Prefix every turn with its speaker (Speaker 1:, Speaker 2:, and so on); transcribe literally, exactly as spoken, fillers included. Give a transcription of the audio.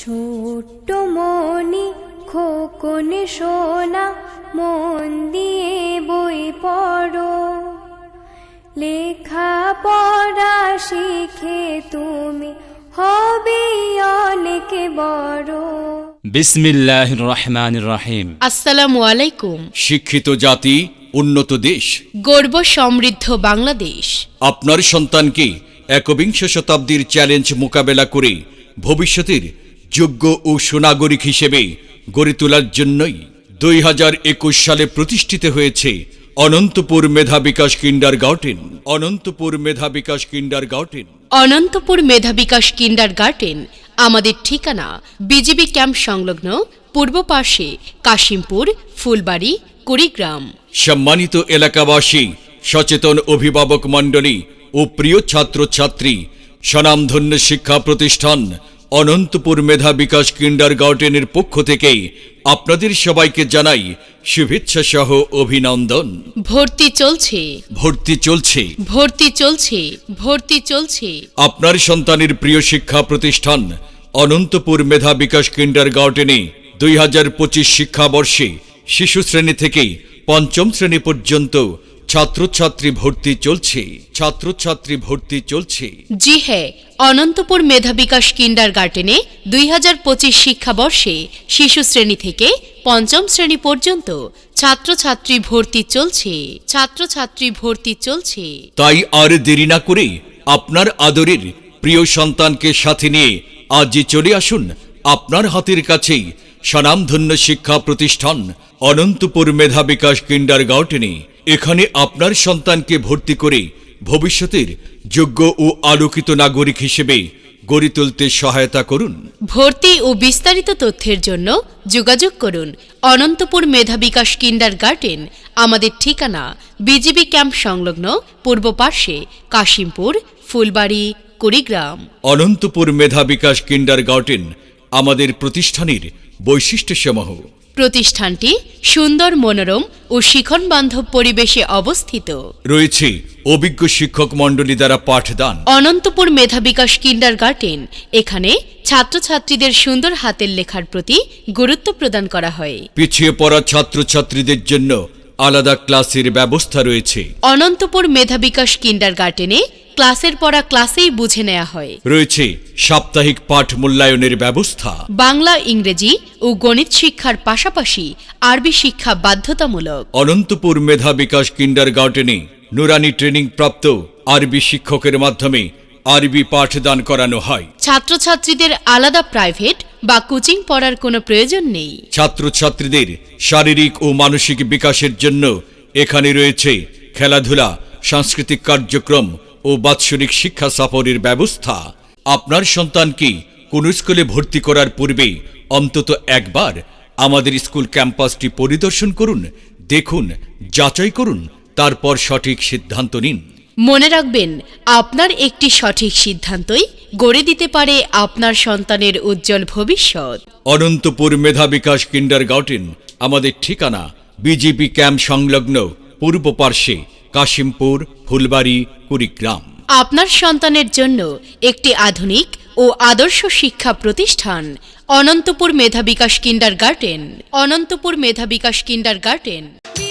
Speaker 1: ছোট্ট মনি খোকন সোনা মন দিয়ে বই পড়ো, লেখা পড়া শিখে তুমি হবে অনেক বড়।
Speaker 2: বিসমিল্লাহির রহমানির রহিম।
Speaker 3: আসসালামু আলাইকুম।
Speaker 2: শিক্ষিত জাতি, উন্নত দেশ,
Speaker 3: গর্ব সমৃদ্ধ বাংলাদেশ।
Speaker 2: আপনার সন্তানকে একবিংশ শতাব্দীর চ্যালেঞ্জ মোকাবেলা করে ভবিষ্যতের যোগ্য ও সুনাগরিক হিসেবে গড়ে তোলার জন্যই দুই হাজার একুশ সালে প্রতিষ্ঠিত হয়েছে অনন্তপুর মেধা বিকাশ কিন্ডার গার্টেন। অনন্তপুর মেধা বিকাশ কিন্ডার গার্টেন
Speaker 3: অনন্তপুর মেধা বিকাশ কিন্ডার গার্টেন আমাদের ঠিকানা বিজিবি ক্যাম্প সংলগ্ন পূর্ব পাশে কাশিমপুর, ফুলবাড়ি, কুড়িগ্রাম।
Speaker 2: সম্মানিত এলাকাবাসী, সচেতন অভিভাবক মণ্ডলী ও প্রিয় ছাত্রছাত্রী, স্বনামধন্য শিক্ষা প্রতিষ্ঠান অনন্তপুর মেধা বিকাশ কিন্ডার গার্টেনের পক্ষ থেকে আপনাদের সবাইকে জানাই শুভেচ্ছা সহ অভিনন্দন।
Speaker 3: ভর্তি চলছে
Speaker 2: ভর্তি চলছে
Speaker 3: ভর্তি চলছে ভর্তি চলছে
Speaker 2: আপনার সন্তানের প্রিয় শিক্ষা প্রতিষ্ঠান অনন্তপুর মেধা বিকাশ কিন্ডার গার্টেনে দুই হাজার পঁচিশ শিক্ষাবর্ষে শিশু শ্রেণী থেকে পঞ্চম শ্রেণী পর্যন্ত ছাত্রছাত্রী ভর্তি চলছে ছাত্রছাত্রী ভর্তি চলছে
Speaker 3: জি হ্যাঁ, অনন্তপুর মেধা বিকাশ কিন্ডার গার্টেনে দুই হাজার পঁচিশ শিক্ষাবর্ষে শিশু শ্রেণী থেকে পঞ্চম শ্রেণী পর্যন্ত ছাত্রছাত্রী ভর্তি চলছে ছাত্রছাত্রী ভর্তি চলছে
Speaker 2: তাই আর দেরি না করে আপনার আদরের প্রিয় সন্তানকে সাথে নিয়ে আজই চলে আসুন আপনার হাতের কাছেই স্বনামধন্য শিক্ষা প্রতিষ্ঠান অনন্তপুর মেধা বিকাশ কিন্ডার গার্টেনে। এখানে আপনার সন্তানকে ভর্তি করে ভবিষ্যতের যোগ্য ও আলোকিত নাগরিক হিসেবে গড়ে তুলতে সহায়তা করুন।
Speaker 3: ভর্তি ও বিস্তারিত তথ্যের জন্য যোগাযোগ করুন অনন্তপুর মেধা বিকাশ কিন্ডার গার্টেন। আমাদের ঠিকানা বিজিবি ক্যাম্প সংলগ্ন পূর্ব পার্শ্বে কাশিমপুর, ফুলবাড়ি, কুড়িগ্রাম।
Speaker 2: অনন্তপুর মেধা বিকাশ কিন্ডার গার্টেন আমাদের প্রতিষ্ঠানের বৈশিষ্ট্যসমূহ।
Speaker 3: প্রতিষ্ঠানটি সুন্দর, মনোরম ও শিখন বান্ধব পরিবেশে অবস্থিত।
Speaker 2: রয়েছে অভিজ্ঞ শিক্ষক মণ্ডলী দ্বারা পাঠদান।
Speaker 3: অনন্তপুর মেধা বিকাশ কিন্ডার গার্টেন, এখানে ছাত্রছাত্রীদের সুন্দর হাতের লেখার প্রতি গুরুত্ব প্রদান করা হয়।
Speaker 2: পিছিয়ে পড়া ছাত্রছাত্রীদের জন্য আলাদা ক্লাসের ব্যবস্থা রয়েছে।
Speaker 3: অনন্তপুর মেধা বিকাশ কিন্ডার গার্টেনে ক্লাসের পড়া ক্লাসেই বুঝে নেওয়া হয়।
Speaker 2: রয়েছে সাপ্তাহিক পাঠ মূল্যায়নের ব্যবস্থা।
Speaker 3: বাংলা, ইংরেজি ও গণিত শিক্ষার পাশাপাশি আরবি শিক্ষা বাধ্যতামূলক।
Speaker 2: অনন্তপুর মেধা বিকাশ কিন্ডার গার্টেনে নুরানি ট্রেনিং প্রাপ্ত আরবি শিক্ষকের মাধ্যমে আরবি পাঠদান করানো হয়।
Speaker 3: ছাত্রছাত্রীদের আলাদা প্রাইভেট বা কোচিং পড়ার কোনো প্রয়োজন নেই।
Speaker 2: ছাত্রছাত্রীদের শারীরিক ও মানসিক বিকাশের জন্য এখানে রয়েছে খেলাধুলা, সাংস্কৃতিক কার্যক্রম ও বাৎসরিক শিক্ষা সফরের ব্যবস্থা। আপনার সন্তানকে কোন স্কুলে ভর্তি করার পূর্বে অন্তত একবার আমাদের স্কুল ক্যাম্পাসটি পরিদর্শন করুন, দেখুন, যাচাই করুন, তারপর সঠিক সিদ্ধান্ত নিন।
Speaker 3: মনে রাখবেন, আপনার একটি সঠিক সিদ্ধান্তই গড়ে দিতে পারে আপনার সন্তানের উজ্জ্বল ভবিষ্যৎ।
Speaker 2: অনন্তপুর মেধা বিকাশ কিন্ডার গার্টেন আমাদের ঠিকানা বিজিবি ক্যাম্প সংলগ্ন পূর্ব পার্শ্বে কাশিমপুর, ফুলবাড়ি, কুড়িগ্রাম।
Speaker 3: আপনার সন্তানের জন্য একটি আধুনিক ও আদর্শ শিক্ষা প্রতিষ্ঠান অনন্তপুর মেধা বিকাশ কিন্ডার গার্টেন। অনন্তপুর মেধা বিকাশ কিন্ডার গার্টেন।